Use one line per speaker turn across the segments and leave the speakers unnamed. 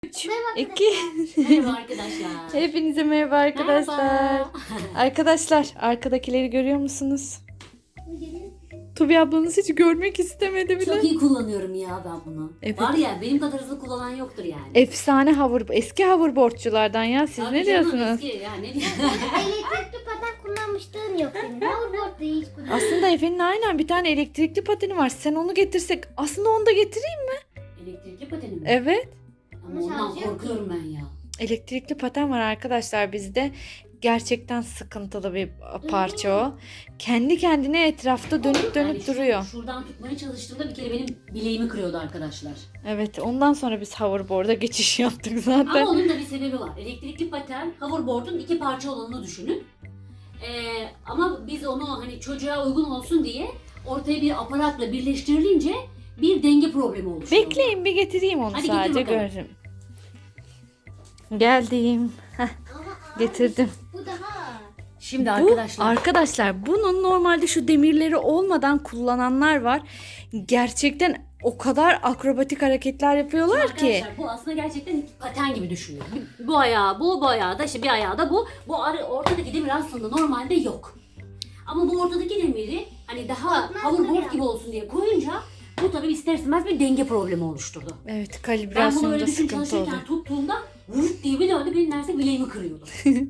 3,
Merhaba
2.
Merhaba arkadaşlar.
Hepinize merhaba arkadaşlar.
Merhaba.
Arkadaşlar arkadakileri görüyor musunuz? Tubi ablanız hiç görmek istemedi bile.
Çok iyi kullanıyorum ya ben bunu.
Evet.
Var ya benim kadar hızlı kullanan yoktur yani.
Efsane eski hoverboardçulardan ya. Siz
Tabii
ne
canım,
diyorsunuz?
eski ya, ne diyorsun?
Elektrikli paten kullanmışlığın yok senin. Hoverboard'da hiç kullanmadın.
Aslında Efe'nin aynen bir tane elektrikli pateni var. Sen onu getirsek aslında onu da getireyim mi?
Elektrikli pateni mi?
Evet.
Ama ondan korkuyorum ben ya.
Elektrikli paten var arkadaşlar bizde. Gerçekten sıkıntılı bir parça o. Kendi kendine etrafta dönüp
Yani
duruyor.
Şuradan tutmaya çalıştığımda bir kere benim bileğimi kırıyordu arkadaşlar.
Evet, ondan sonra biz hoverboard'a geçiş yaptık zaten.
Ama onun da bir sebebi var. Elektrikli paten, hoverboard'un iki parça olanını düşünün. Ama biz onu hani çocuğa uygun olsun diye ortaya bir aparatla birleştirilince bir denge problemi oluşuyor.
Bekleyin bir getireyim onu
Hadi getir
sadece
bakalım.
görürüm. Geldim. Heh, getirdim.
Bu daha.
Şimdi
Bu arkadaşlar bunun normalde şu demirleri olmadan kullananlar var. Gerçekten o kadar akrobatik hareketler yapıyorlar ki.
Arkadaşlar bu aslında gerçekten paten gibi düşünün. Bu ayağı bu ayağı da işte bir ayağı da bu. Ortadaki demir aslında normalde yok. Ama bu ortadaki demiri hani daha hoverboard gibi olsun diye koyunca bu tabii ister istemez bir denge problemi oluşturdu.
Evet,
Ben bunu
kalibrasyonda
öyle düşün
sıkıntı oldu.
çalışırken tuttuğumda vurt diye bir döndü benim neredeyse bileğimi kırıyordu.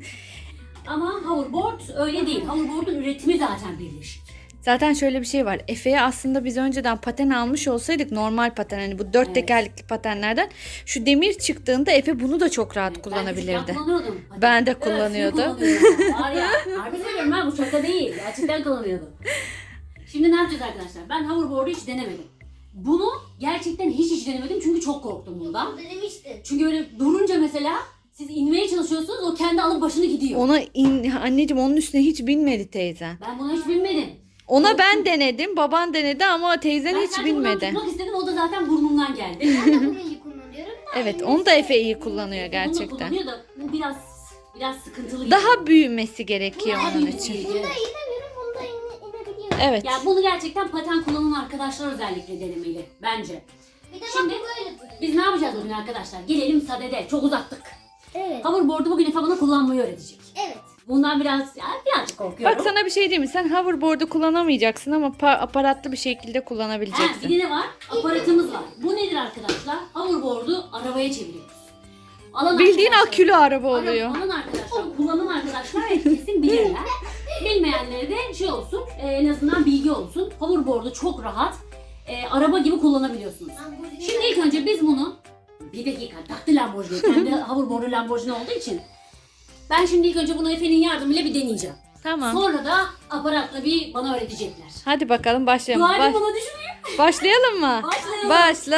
Ama hoverboard öyle değil. Hoverboard'un üretimi zaten birleşik.
Zaten şöyle bir şey var. Efe'ye aslında biz önceden paten almış olsaydık, normal paten hani bu dört
Evet.
tekerlekli patenlerden, şu demir çıktığında Efe bunu da çok rahat
Ben
kullanabilirdi.
küçükken kullanıyordum. Hadi.
Ben de
Evet,
kullanıyordum.
kullanıyordum. Var ya, harbi söylüyorum ben, bu şaka değil. Gerçekten kullanıyordum. Şimdi ne yapacağız arkadaşlar? Ben hoverboard'u hiç denemedim. Bunu gerçekten hiç denemedim çünkü çok korktum bundan.
Denemiştin.
Çünkü öyle durunca mesela siz inmeye çalışıyorsunuz, o kendi alıp başını gidiyor.
Anneciğim onun üstüne hiç binmedi teyzen.
Ben bunu hiç bilmedim.
Ona ben denedim, baban denedi ama teyzen
Ben
hiç
sadece buradan
bilmedi.
tutmak istedim, o da zaten burnumdan geldi.
Ben de bunu iyi kullanıyorum da.
Evet, onu da Efe iyi kullanıyor
Bunu
gerçekten.
kullanıyor da bu biraz sıkıntılı gibi.
Daha büyümesi gerekiyor
Daha
onun
büyük
için.
bir-
Bunda inemiyorum, bunda inebiliyorum.
Evet.
Yani bunu gerçekten paten kullanan arkadaşlar özellikle denemeli bence.
Bir de
Şimdi
bak böyle duruyor.
biz ne yapacağız bugün arkadaşlar? Gelelim sadede. Çok uzattık.
Evet.
Hoverboard'u bugün Efe bana kullanmayı öğretecek.
Evet.
Bundan birazcık korkuyorum.
Bak sana bir şey diyeyim mi? Sen hoverboard'u kullanamayacaksın ama aparatlı bir şekilde kullanabileceksin.
Bir de ne var? Aparatımız var. Bu nedir arkadaşlar? Hoverboard'u arabaya çeviriyoruz.
Bildiğin
arkadaşlar-
akülü araba oluyor.
Alan arkadaşlar, kullanan arkadaşlar kesin bilirler. Bilmeyenlere de şey olsun, en azından bilgi olsun. Hoverboard'u çok rahat araba gibi kullanabiliyorsunuz. Şimdi ilk önce biz bunu, bir dakika, taktı Lamborghini. Kendi hoverboard'u Lamborghini olduğu için. Ben şimdi ilk önce bunu Efe'nin yardımıyla bir deneyeceğim.
Tamam.
Sonra da aparatla bir bana öğretecekler.
Hadi bakalım başlayalım.
Dua edin bana düşmeyeyim.
Başlayalım mı?
Başlayalım.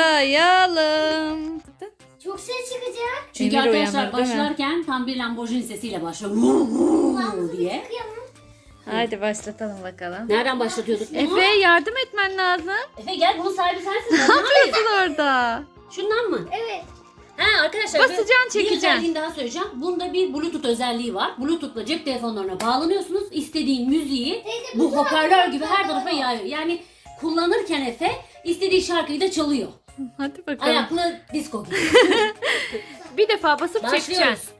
Başlayalım.
Çok ses çıkacak.
Çünkü
Emir
arkadaşlar
uyanır, değil mi?
başlarken tam bir Lamborghini sesiyle başlıyor. Vuu, vuu diye.
Hadi başlatalım bakalım.
Nereden başlatıyorduk bunu?
Efe yardım etmen lazım.
Efe gel, bunun sahibi sensin.
Ne
Ben
yapıyorsun orada?
Şundan mı?
Evet.
Ha arkadaşlar,
Basacaksın,
bir
çekeceksin.
özelliğini daha söyleyeceğim. Bunda bir Bluetooth özelliği var. Bluetooth'la cep telefonlarına bağlanıyorsunuz. İstediğin müziği bu hoparlör gibi her tarafa yayıyor. Yani kullanırken Efe istediği şarkıyı da çalıyor.
Hadi bakalım.
Ayaklı disco gibi.
Bir defa basıp
Başlıyoruz.
çekeceksin.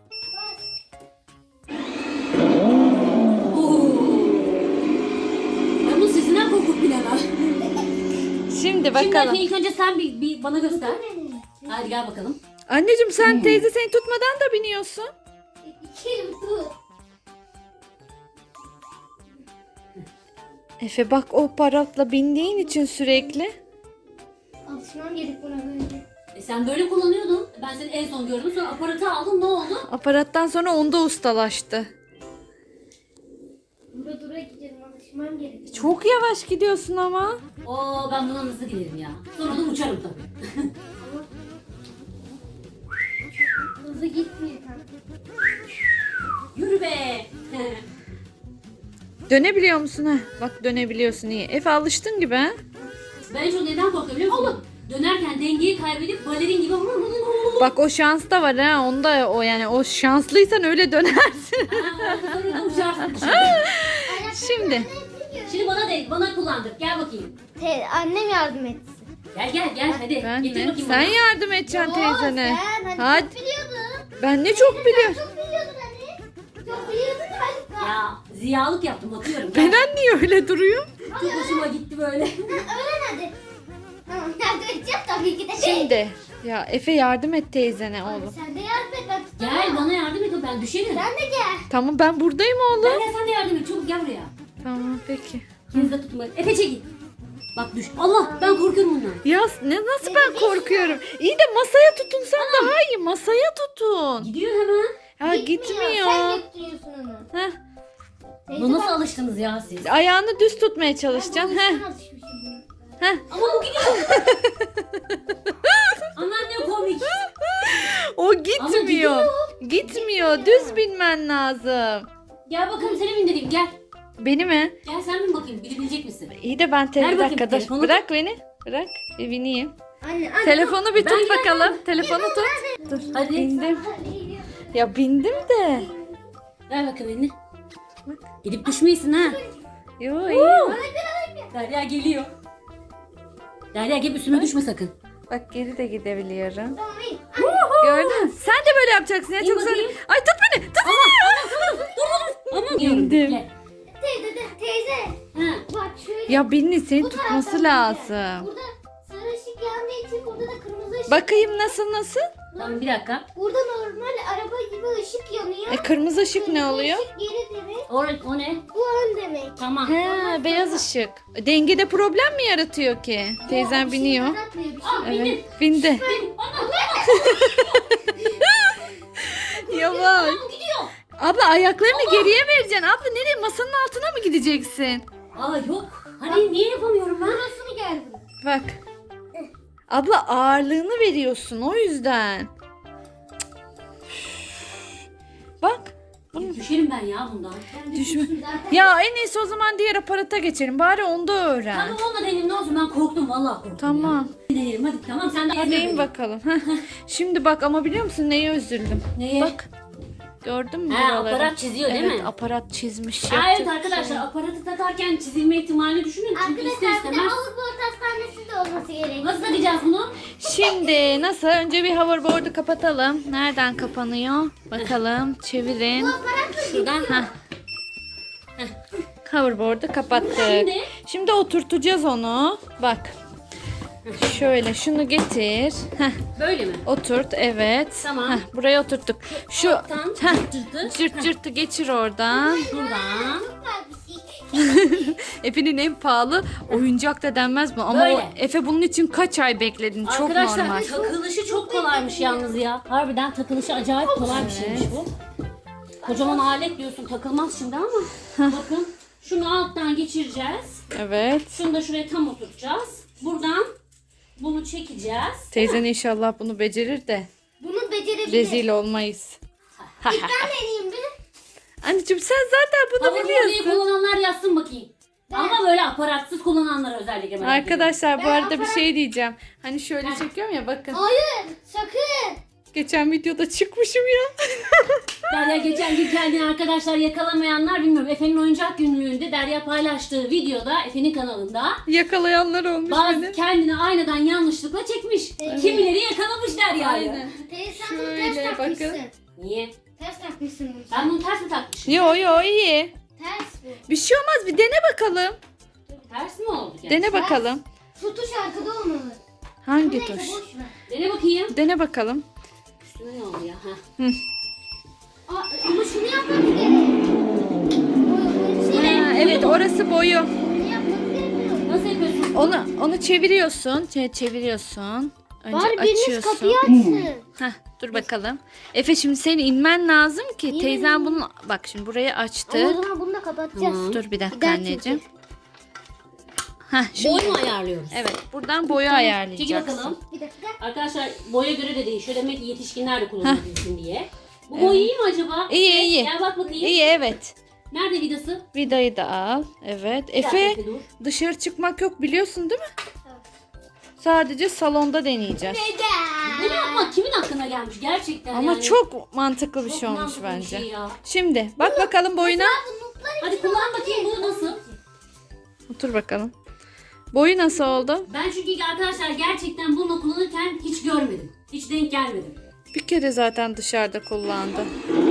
Ben bu sesinden korkup bilemem.
Şimdi
Şimdi
bakalım.
Efe ilk önce sen bir bana göster. Hadi gel bakalım.
Anneciğim sen teyze seni tutmadan da biniyorsun.
İki elim tut.
Efe bak o aparatla bindiğin için sürekli.
Alışmam gerek buna böyle.
Sen böyle kullanıyordun. Ben seni en son gördüm. Sonra aparatı aldım. Ne oldu?
Aparattan sonra onda ustalaştı.
Dura dura gidelim, alışmam gerek.
Çok yavaş gidiyorsun ama.
Oo, ben buna nasıl giderim ya? Sonra da uçarım tabii.
Hızlı gitmiyor tam.
Yürü be.
Dönebiliyor musun ha? Bak dönebiliyorsun iyi. Efe alıştın gibi ha?
Ben çok neden korkuyorum biliyor musun? Dönerken dengeyi kaybedip balerin gibi
Bak o şans da var ha. Onda o yani o şanslıysan öyle dönersin.
sonra da uçarsın.
Şimdi
Şimdi bana kullandır. Gel bakayım.
Annem yardım etsin.
Gel hadi.
Ben
Getir
mi?
bakayım
Sen
bana.
yardım edeceksin teyzene.
Sen hani
Hadi.
çok biliyordun.
Ben ne çok biliyorum.
Çok biliyordun hani. Çok biliyordun hadi.
Ya ziyalık yaptım atıyorum. Gel.
Benen niye öyle duruyor?
Çok hoşuma gitti böyle.
Öğren hadi. Tamam yardım edeceğim tabii ki de.
Şimdi ya Efe yardım et teyzene
Hadi
oğlum.
sen de yardım et ben tutamam.
Gel bana yardım et ben düşerim.
Sen de gel.
Tamam ben buradayım oğlum.
Gel sen de yardım et çabuk gel buraya.
Tamam peki.
İkiniz de tutun böyle. Efe çekil. Bak düş. Allah ben korkuyorum bundan.
Ya nasıl ben korkuyorum? İyi de masaya tutunsan daha iyi. Masaya tutun.
Gidiyor hemen.
Ya
Sen
gitmiyor.
götürüyorsun onu.
Heh.
Teyze
Bu nasıl
bak,
alıştınız ya siz?
Ayağını düz tutmaya
ben
çalışacaksın.
bunun
Heh.
üstüne alışmışım buna.
Heh.
Ama bu gidiyor. Anneanne komik.
O gitmiyor.
gidiyor.
Gitmiyor. Düz binmen lazım.
Gel bakalım seni bindireyim gel.
Beni mi?
Gel sen bin bakayım bilebilecek misin?
İyi de ben
Ver
bir
bakayım
dakika dur.
telefonu.
Bırak beni. Bırak. Bir bineyim.
Anne.
Telefonu bir
Ben
tut
gel-
bakalım. Telefonu tut. Dur.
Hadi.
Bindim. Ya bindim de.
Ver bakalım elini. Gidip düşmeyesin ha.
Yo iyi.
Derya geliyor. Derya gel üstüme düşme sakın.
Bak geri de gidebiliyorum.
Tamam iyi.
Gördün mü? Sen de böyle yapacaksın ya.
İyi
Çok zor.
bakayım.
Ay tut beni. Tut beni.
Aman diyorum.
İndim.
Bekle.
Teyze.
Ha.
Bak şöyle.
Ya Binli seni
Bu
tutması
taraftan
lazım.
Burada sarı ışık yandığı için burada da kırmızı ışık.
Bakayım nasıl?
Tamam bir dakika.
Burada normal araba gibi ışık yanıyor.
Kırmızı ışık ne
Kırmızı
oluyor?
ışık geri demek.
O ne?
Bu ön demek.
Tamam.
He, beyaz ışık. Dengede problem mi yaratıyor ki? Teyzem
Bir şey
biniyor.
yaratmıyor, bir şey.
Aa, bindin.
Evet, bindi. Yavaş.
Tamam gidiyor.
Abla ayaklarını geriye vereceksin. Abla nereye? Masanın altına mı gideceksin?
Aa yok. Hani niye yapamıyorum ben?
Burasını gel bunu.
Bak. Abla ağırlığını veriyorsun o yüzden. Bak.
Düşerim ben ya bundan.
Düşme. Ya en iyisi o zaman diğer aparata geçelim. Bari onda öğren.
Tamam olmadı elim ne olsun ben korktum vallahi korktum.
Tamam.
Ya. Deneyelim hadi tamam sen de
Hadi in bakalım. Heh. Şimdi bak ama biliyor musun neye üzüldüm?
Neye?
Bak. Gördün mü
He
buraları?
aparat çiziyor değil
Evet
mi?
aparat çizmiş.
Aa,
Yapacak
evet
bir
arkadaşlar
şey yok.
aparatı takarken çizilme ihtimalini düşünün. Çünkü ister
Arkadaşlar bir de
istemez.
Avrupa Hastanesi de olması gerekiyor.
Nasıl takacağız bunu?
Şimdi nasıl? Önce bir hoverboard'u kapatalım. Nereden kapanıyor? Bakalım. Çevirin.
Şuradan.
Heh. Hoverboard'u kapattık.
Şimdi?
Şimdi oturtacağız onu. Bak. Şöyle şunu getir. Heh,
Böyle mi?
oturt evet.
Tamam.
Heh, buraya oturttuk. Şu
Tamam.
heh,
Cırtı.
cırt cırtı geçir oradan.
Buradan.
Süper bir şey.
Efe'nin en pahalı oyuncak da denmez mi? Ama
Böyle.
o, Efe bunun için kaç ay bekledin? Çok
Arkadaşlar
normal.
takılışı çok kolaymış yalnız ya. Harbiden takılışı acayip kolay bir şeymiş bu. Kocaman alet diyorsun takılmaz şimdi ama. Bakın şunu alttan geçireceğiz.
Evet.
Şunu da şuraya tam oturtacağız. Buradan bunu çekeceğiz.
Teyzen inşallah bunu becerir de
Bunu becerebilir.
rezil olmayız.
Ben deneyeyim bir.
Anneciğim sen zaten bunu
Hoverboard'u
biliyorsun.
kullananlar yazsın bakayım. Ama böyle aparatsız kullananlar özellikle merak ediyorum.
Arkadaşlar bu
Ben
arada bir
aparat-
şey diyeceğim. Hani şöyle çekiyorum ya bakın.
Hayır sakın.
Geçen videoda çıkmışım ya.
Derya geçen gün kendini arkadaşlar yakalamayanlar bilmiyorum. Efe'nin oyuncak günlüğünde Derya paylaştığı videoda Efe'nin kanalında
Yakalayanlar olmuş
bazı
beni.
kendini aynadan yanlışlıkla çekmiş. Kimileri yakalamış Derya'yı.
Aynen.
Teyze sen bunu
Şöyle
ters
bakın.
takmışsın.
Niye?
Ters takmışsın bunu.
Ben bunu ters mi takmışım?
Yo yo iyi.
Ters bu.
Bir şey olmaz bir dene bakalım.
Ters mi oldu?
Dene bakalım.
Tutuş arkada olmalı.
Hangi
Neyse
tuş?
boş ver.
Dene bakayım.
Dene bakalım.
Üstüne ne oldu ya?
Aa, ama şunu yapmamız gerek.
Ha, evet orası boyu.
Bunu yapmamız gerekiyor.
Nasıl yapıyorsun?
Onu çeviriyorsun. Çeviriyorsun. Önce
Bari biriniz
açıyorsun.
kapıyı açsın.
Heh, dur bakalım. Efe şimdi senin inmen lazım ki teyzen bunu bak şimdi burayı açtı.
Ama o zaman bunu da kapatacağız.
Tamam.
Dur bir dakika
Bir daha
anneciğim. Heh, şimdi
Boy mu ayarlıyoruz?
evet buradan boyu
Çekil
ayarlayacaksın.
bakalım.
Bir dakika.
Arkadaşlar boya göre de değişiyor. Demek ki yetişkinler de kullanabilsin diye. Bu boy iyi mi acaba?
İyi, iyi.
Gel bak bakayım.
İyi evet.
Nerede vidası?
Vidayı da al. Evet.
Bir dakika,
Efe
dur.
dışarı çıkmak yok biliyorsun değil mi? Sadece salonda deneyeceğiz.
Bunu yapmak kimin aklına gelmiş gerçekten
Ama
yani.
çok mantıklı bir
Çok
şey olmuş
mantıklı bir
bence.
şey ya.
Şimdi bak bakalım boyuna.
Hadi kullan bakayım bu nasıl?
Otur bakalım. Boyu nasıl oldu?
Ben çünkü arkadaşlar gerçekten bunu kullanırken hiç görmedim. Hiç denk gelmedim.
Bir kere zaten dışarıda kullandı.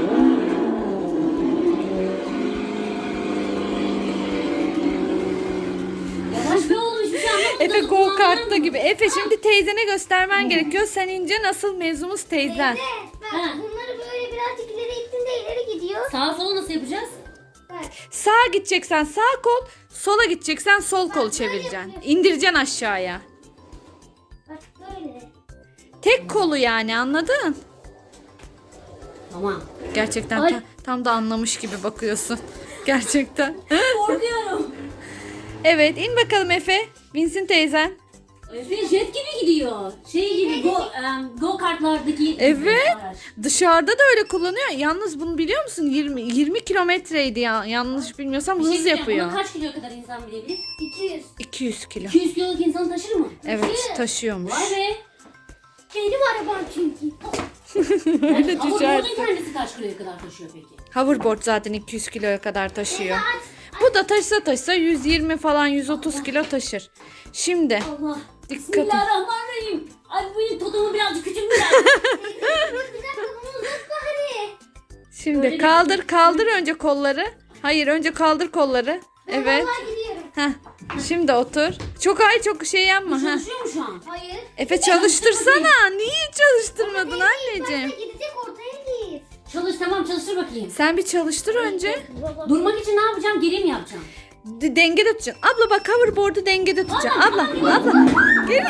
Yavaş be oğlum, hiçbir şey anlamadım.
Efe
Nasıl
go
kullandığını
kart'ta
anlamadım.
gibi. Efe şimdi teyzene göstermen gerekiyor. Sen ince nasıl mevzumuz teyzen.
Evet. Bak
Ha.
bunları böyle birazcık ileri ittin de ileri gidiyor.
Sağa sola nasıl yapacağız?
Bak.
Sağa gideceksen sağ kol, sola gideceksen sol kolu çevireceksin. İndireceksin aşağıya.
Bak böyle.
Tek kolu yani, anladın?
Tamam.
Gerçekten
Ay.
tam da anlamış gibi bakıyorsun. Gerçekten.
Korkuyorum.
Evet, in bakalım Efe. Binsin teyzen.
Efe jet gibi gidiyor. Şey gibi go kartlardaki
Evet.
araç.
Dışarıda da öyle kullanıyor. Yalnız bunu biliyor musun? 20 kilometreydi ya. Yanlış bilmiyorsam
Bir şey
hız
diyeceğim,
yapıyor.
Bunu kaç kilo kadar insan bilebilir?
200.
200 kilo.
200 kiloluk insan taşır mı?
Evet, taşıyormuş.
Vay be.
Benim arabam çünkü.
Öyle
Ama
düşersin.
bunun kendisi kaç kiloya kadar taşıyor peki?
Hoverboard zaten 200 kiloya kadar taşıyor.
Aç.
Bu da taşısa 120 falan 130 kilo taşır. Şimdi
Allah.
Dikkat et.
Bismillahirrahmanirrahim. Ay benim totomu birazcık küçülmüş.
Bir dakika bunu uzat bari.
Şimdi
Böyle
kaldır önce kolları. Hayır, önce kaldır kolları. Evet.
Vallahi gidiyorum.
Heh. Şimdi otur. Çok şey yapma. Heh.
Çalışıyor mu şu an?
Hayır.
Efe çalıştırsana. Niye çalıştırmadın anneciğim?
Başta gidecek ortaya git.
Çalış, tamam, çalıştır bakayım.
Sen bir çalıştır önce.
Durmak için ne yapacağım? Geri mi yapacağım?
Dengede tutacaksın. Abla bak, hoverboard'u dengede tutacaksın. Abla. Gel.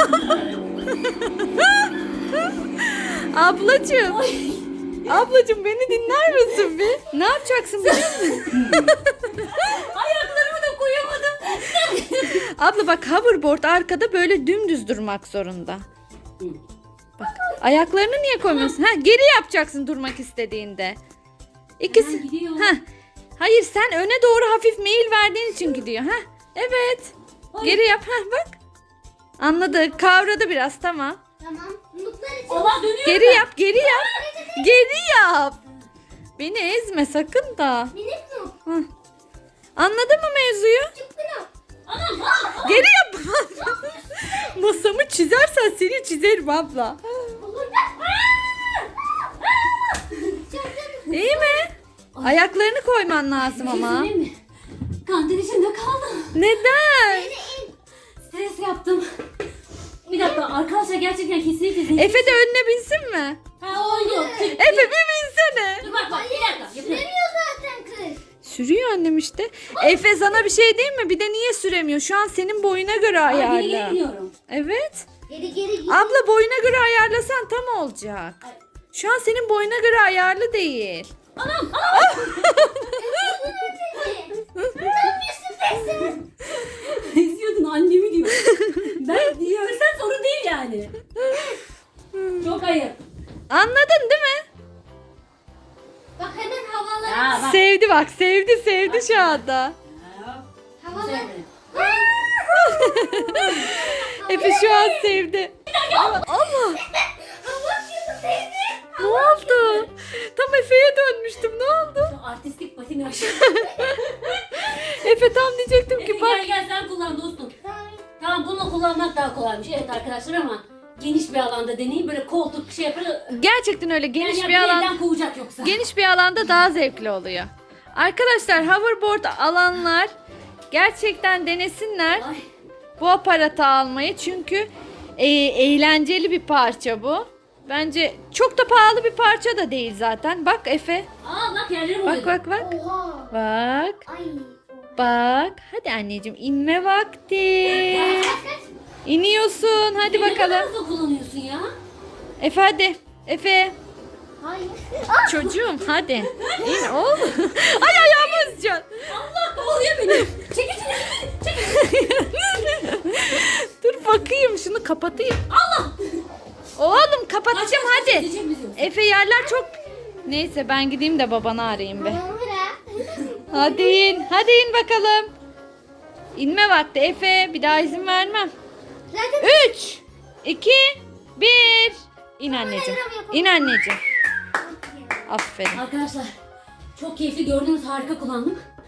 Ablacığım. Ablacığım beni dinler misin bir? Ne yapacaksın biliyor musun?
Ayaklarımı da koyamadım.
Abla bak, hoverboard arkada böyle dümdüz durmak zorunda. Bak, ayaklarını niye koymuyorsun? Ha, geri yapacaksın durmak istediğinde. İkisi.
Hemen gidiyor.
Ha. Hayır, sen öne doğru hafif meyil verdiğin için gidiyor. Ha. Evet.
Ay.
Geri yap. Ha, bak. Anladı. Kavradı biraz, tamam.
Tamam. Mutlar için.
Allah dönüyor.
Geri yap, geri yap. Geri yap. Beni ezme sakın da.
Minik mi?
Hı. Anladın mı mevzuyu?
Çıktı mı?
Anam.
Geri yap. Masamı çizersen seni çizerim abla. İyi mi? Ayaklarını koyman lazım ama.
Kesin mi? Kanter içinde kaldım.
Neden?
Stres yaptım. Bir dakika arkadaşlar, gerçekten kesinlikle zevkli.
Efe de önüne binsin mi?
Ha, oldu.
Efe bir binsene.
Dur bak bir dakika. Yapıyorum.
Süremiyor zaten kız.
Sürüyor annem işte. Efe sana bir şey diyeyim mi? Bir de niye süremiyor? Şu an senin boyuna göre
Geri geri
ayarla.
gidiyorum.
Evet.
Geri git.
Abla boyuna göre ayarlasan tam olacak.
Ay.
Şu an senin boyuna göre ayarlı değil.
Anam.
Ne yapıyorsun be sen?
Eziyordun annemi diyor. Ben diyorsan sorun değil yani. Çok ayıp.
Anladın değil mi?
Bak hemen havalar.
Ya bak.
Sevdi bak, sevdi şu anda.
Havalar.
Efe şu an sevdi. Allah.
Hava atıyorsun teyze.
Ne oldu? Tam Efe'ye dönmüştüm. Ne oldu?
Artistik patinaj.
Efe tam diyecektim ki
Gel
bak.
gel sen kullan dostum. Tamam, bunu kullanmak daha kolaymış. Evet arkadaşlar, ama geniş bir alanda deneyin. Böyle koltuk şey yapar.
Gerçekten öyle geniş
Yani
bir alan.
elden kovacak yoksa.
Geniş bir alanda daha zevkli oluyor. Arkadaşlar, hoverboard alanlar gerçekten denesinler
Ay.
bu aparatı almayı. Çünkü eğlenceli bir parça bu. Bence çok da pahalı bir parça da değil zaten. Bak Efe.
Aa bak, yerlerim
Bak
oluyor.
bak.
Oha.
Bak.
Ay.
Bak. Hadi anneciğim, inme vakti.
Kaç kaç.
İniyorsun. Hadi
Ne kadar
bakalım.
hızlı kullanıyorsun ya.
Efe hadi. Efe.
Hayır.
Çocuğum hadi. İn oğlum. Ay ayağımı ezeceksin.
Allah kovalıyor beni. Çekil çekil.
Dur bakayım, şunu kapatayım.
Allah.
Oğlum kapatacağım
Kaç,
hadi.
gideceğim biz yoksa.
Efe, yerler çok... Neyse ben gideyim de babanı arayayım be.
Hamura.
Hadi in. Hadi in bakalım. İnme vakti Efe. Bir daha izin vermem.
Zaten
3, 2, 1. İn anneciğim. İn anneciğim. Aferin.
Arkadaşlar çok keyifli, gördünüz, harika kullandım.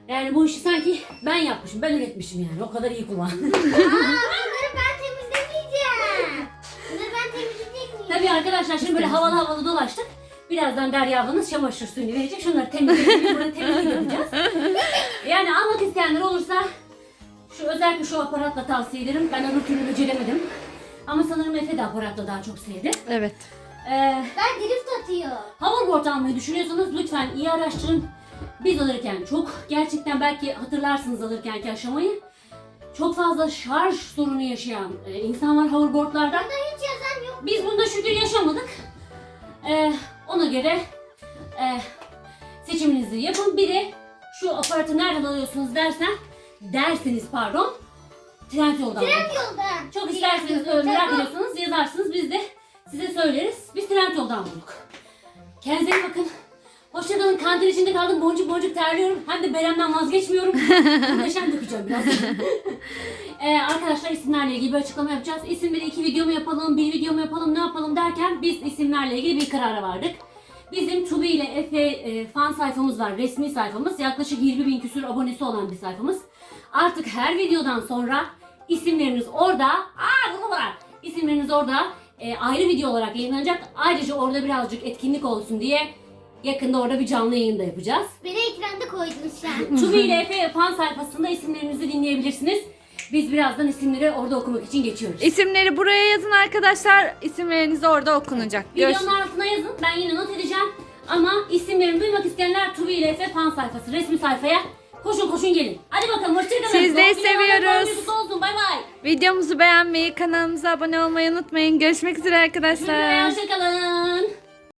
Yani bu işi sanki ben yapmışım, ben üretmişim yani. O kadar iyi kullan.
Bunları ben temizlemeyeceğim. Bunları ben temizleyecek miyim?
Tabii arkadaşlar şimdi böyle havalı havalı dolaştık. Birazdan Derya ablanız çamaşır suyunu verecek. Şunları temizleyelim, burada temizlik yapacağız. Yani almak isteyenler olursa özellikle şu aparatla tavsiye ederim. Ben öbür türlü beceremedim. Ama sanırım Efe de aparatla daha çok sevdi.
Evet.
Ben drift atıyor.
Hoverboard almayı düşünüyorsanız lütfen iyi araştırın. Biz alırken gerçekten belki hatırlarsınız alırkenki aşamayı. Çok fazla şarj sorunu yaşayan insan var hoverboardlarda.
Burada hiç yazan yok.
Biz bunda şükür yaşamadık. Ona göre seçiminizi yapın. Bir de şu aparatı nereden alıyorsunuz derseniz Trendyol'dan.
Yolda.
Çok isterseniz merak ediyorsanız yazarsınız. Biz de size söyleriz. Biz Trendyol'dan bulduk. Kendinize iyi bakın. Hoşçakalın. Kantin içinde kaldım. Boncuk boncuk terliyorum. Hem de Berem'den vazgeçmiyorum. Muhteşem dökeceğim biraz. Arkadaşlar isimlerle ilgili bir açıklama yapacağız. İsimleri 2 video mu yapalım, 1 video mu yapalım, ne yapalım derken biz isimlerle ilgili bir karara vardık. Bizim Tubi ile Efe fan sayfamız var. Resmi sayfamız. Yaklaşık 20.000 küsur abonesi olan bir sayfamız. Artık her videodan sonra isimleriniz orada. İsimleriniz orada ayrı video olarak yayınlanacak. Ayrıca orada birazcık etkinlik olsun diye yakında orada bir canlı yayın da yapacağız.
Beni ekranda koydun şu an.
Tubi ile Efe fan sayfasında isimlerinizi dinleyebilirsiniz. Biz birazdan isimleri orada okumak için geçiyoruz.
İsimleri buraya yazın arkadaşlar. İsimleriniz orada okunacak.
Videonun altına yazın. Ben yine not edeceğim. Ama isimlerini duymak isteyenler Tubi ile Efe fan sayfası, resmi sayfaya koşun gelin. Hadi bakalım hoşçakalın.
Sizleri seviyoruz.
Olsun. Bay bay.
Videomuzu beğenmeyi, kanalımıza abone olmayı unutmayın. Görüşmek üzere arkadaşlar.
Hoşçakalın.